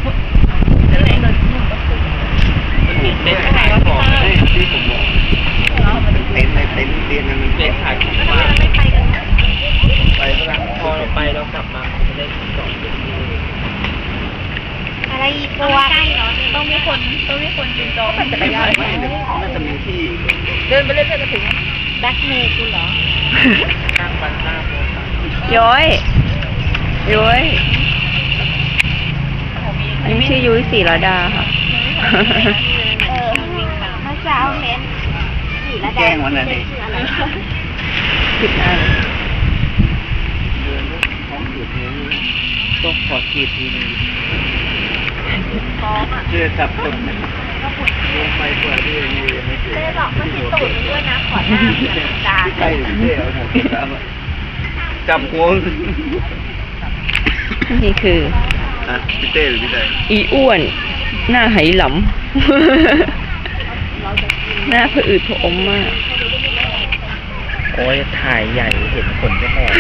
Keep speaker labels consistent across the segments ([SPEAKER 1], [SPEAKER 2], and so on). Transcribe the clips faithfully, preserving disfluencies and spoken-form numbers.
[SPEAKER 1] ก็เลยโดนหนุ่มก็คือเต้นขายของที่ผมบอกเต้นในเต้นเรียนมันเต้นขายของมาไปกันไปแล้วพอเราไปเรากลับมาจะได้สอน
[SPEAKER 2] อะไรอีกตัวใกล้เหรอต้องมีคนต้องมีคนจูงจองปั่นจักรยาน
[SPEAKER 1] ไม่น่าจะมีที่
[SPEAKER 2] เดินไปเรื่อยๆจะถึงแบ็คเมย์คุณเหรอ
[SPEAKER 1] ข้างบ้านหน้าโบสถ์
[SPEAKER 3] ย้อยย้อยอันนี้ชื่อยุ้ยศรีระดาค่ะ
[SPEAKER 2] เออมาเช้าเห็นศรีระดา
[SPEAKER 1] แจ้งวันนั้นเอง
[SPEAKER 3] ผิดอัน
[SPEAKER 1] เดินด้วยท้องอืดนี้ต้องขอขีดทีนึงเชื่อจับตุ่มลงไปเผื่อที่นี่ไม่เจอ
[SPEAKER 2] เต้บอกว่าที่ตูดด้วยนะขอหน้าจาน
[SPEAKER 1] ใช่เต้เอาหมดแล้วจับหัว
[SPEAKER 3] นี่คือ
[SPEAKER 1] อ่ะพี่เต้หรือพี่เต้
[SPEAKER 3] อีอ้วนหน้าไหหลำหน้าผะอืดผอมมาก
[SPEAKER 1] โอ้ยถ่ายใหญ่เห็นขนก็แหก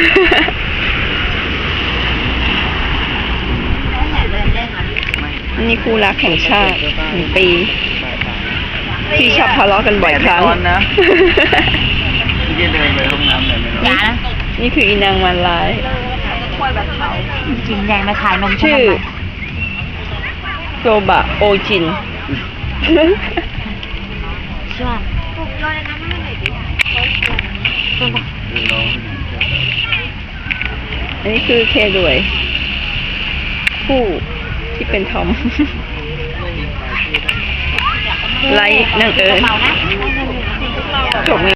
[SPEAKER 3] อันนี้คู่รักแห่งชาติหนึ่งปีที่ชอบทะเลาะกันบ่อยครั้ง
[SPEAKER 1] นะที่จะเดินไปห้องน้ำไหนไม่รู้
[SPEAKER 3] นี่คืออีนางมันร้าย
[SPEAKER 2] จินแดงมาขายนม
[SPEAKER 3] ชื่อโซบะโอจิน
[SPEAKER 2] ช่วงปลุกโยนน้ำมันหน่อยดิ
[SPEAKER 3] อันนี้คือเคด้วยผู้ที่เป็นทอมไลท์นางเอิญจบ